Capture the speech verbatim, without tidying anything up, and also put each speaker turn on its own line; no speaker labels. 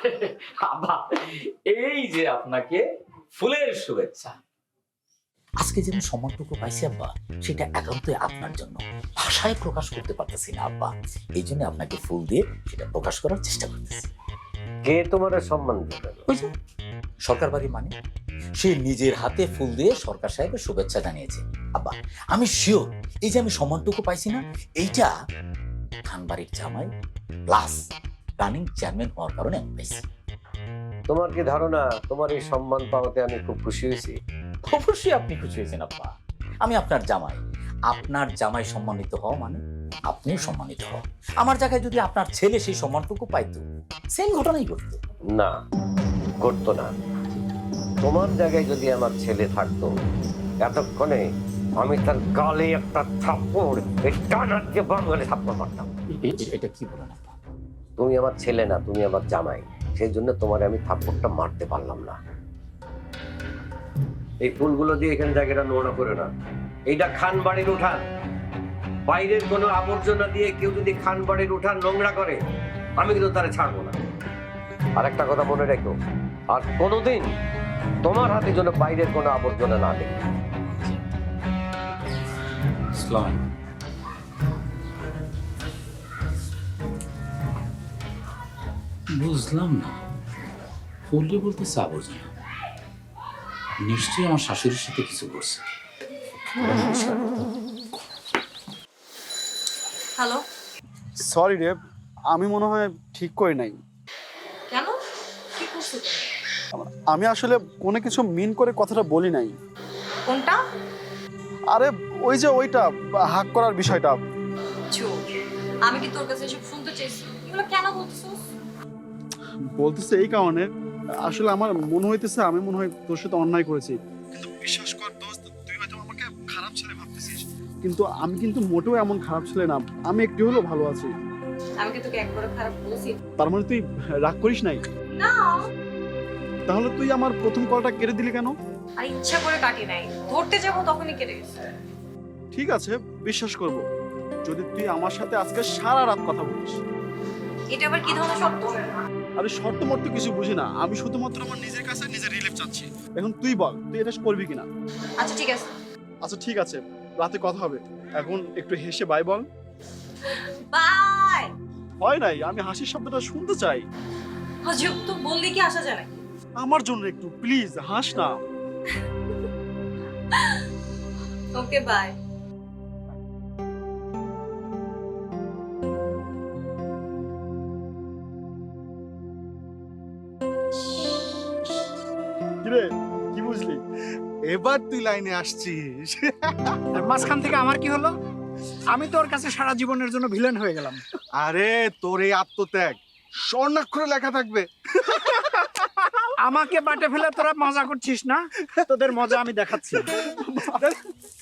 আব্বা, এই যে আপনাকে ফুলের শুভেচ্ছা। আজকে যে আমি সম্মানটুকু পাইছি আব্বা, সেটা একান্তই আপনার জন্য, ভাষায় প্রকাশ করতে পারতেছি না আব্বা। এই জন্য আপনাকে ফুল দিয়ে সেটা প্রকাশ করার চেষ্টা করতেছি।
কে তোমার সম্মান দেবে?
ওই যে সরকার বাড়ি মানে, সে নিজের হাতে ফুল দিয়ে সরকার সাহেবের শুভেচ্ছা জানিয়েছে। আব্বা, আমি শিওর এই যে আমি সম্মানটুকু পাইছি না, এইটা খানবাড়ির জামাই প্লাস রানিং চেয়ারম্যান হওয়ার কারণে আমি পাইছি।
তোমার কি ধারণা তোমার এই সম্মান পাওয়াতে আমি খুব খুশি হয়েছি?
অবশ্যই আপনি খুশি হয়েছেন আব্বা। আমি আপনার জামাই, আপনার জামাই সম্মানিত হওয়া মানে আপনিও সম্মানিত হওয়া। আমার জায়গায় যদি আপনার ছেলে সেই সম্মানটুকু পাইতো, সেম ঘটনাই ঘটতো।
না, ঘটতো না। তোমার জায়গায় যদি আমার ছেলে থাকতো, এতক্ষণে আমি তার গালে একটা থাপ্পড়, এই টানার যে বাঙালি থাপ্পড় মারতাম।
এ- এ- এটা কি বলেন আব্বা?
তুমি আমার ছেলে না, তুমি আমার জামাই, সেই জন্য তোমার আমি থাপ্পড়টা মারতে পারলাম না। এই ফুলগুলো দিয়ে এখানে জায়গাটা নোংরা করে না। এইটা খান বাড়ির উঠান। বাইরের কোনো আবর্জনা দিয়ে কেউ যদি খান বাড়ির উঠান নোংরা করে, আমি কিন্তু তারা ছাড়বো না। আর একটা কথা মনে রেখো, আর কোনোদিন তোমার হাতে যেন বাইরের কোনো আবর্জনা না দেখি।
ইসলাম, বুঝলাম না, ফুললে বলতে আবর্জনা, নিশ্চয়ই আমার শাশুড়ির সাথে কিছু করছে।
হ্যালো,
সরি রে, আমি মনে হয় ঠিক করি নাই।
কেন? কি করছো?
আমি আসলে কোনো কিছু মিন করে কথাটা বলি নাই।
কোনটা?
আরে ওই যে ওইটা হাক করার বিষয়টা।
চুপ। আমি কি তোর কাছে এসব শুনতে চাইছি? এগুলো কেন বলছিস?
বলতেছে এই কারণে, আসলে আমার মনে হইতেছে আমি মনে হয় তোর সাথে অন্যায় করেছি। কিন্তু বিশ্বাস কর দোস্ত, তুই হয়তো আমাকে খারাপ ছেলে ভাবতেছিস, কিন্তু আমি কিন্তু মোটেও এমন খারাপ ছেলে না। আমি একটু হলেও ভালো আছি।
আমি কি তোকে একবার খারাপ বলছি?
তার মানে তুই রাগ করিস নাই?
না,
তাহলে তুই আমার প্রথম কলটা কেটে দিলি কেন?
আর ইচ্ছা করে কাটি নাই। ধরতে যাবো তখনই কেটে গেছে।
ঠিক আছে, বিশ্বাস করব যদি তুই আমার সাথে আজকে সারা রাত কথা বলিস।
এটা আবার কি ধরনের শব্দ?
আরে শর্ত মর্ত কিছু বুঝি না, আমি শুধুমাত্র আমার নিজের কাছে নিজের রিলিফ চাচ্ছি। এখন তুই বল, তুই এটা করবি কিনা?
আচ্ছা ঠিক আছে,
আচ্ছা ঠিক আছে, রাতে কথা হবে। এখন একটু হেসে বাই বল।
বাই।
হয় নাই, আমি হাসির শব্দটা শুনতে চাই।
হজব তো বললি কি আসা যায় নাকি?
আমার জন্য একটু প্লিজ হাস না।
Okay bye.
কিরে, কি বুঝলি?
এবার তুই লাইনে আসছিস। আর মাঝখান থেকে আমার কি হলো? আমি তোর কাছে সারা জীবনের জন্য ভিলেন হয়ে গেলাম।
আরে তোর এই আত্মত্যাগ স্বর্ণাক্ষরে লেখা থাকবে।
আমাকে বাটে ফেলে তোরা মজা করছিস না? তোদের মজা আমি দেখাচ্ছি।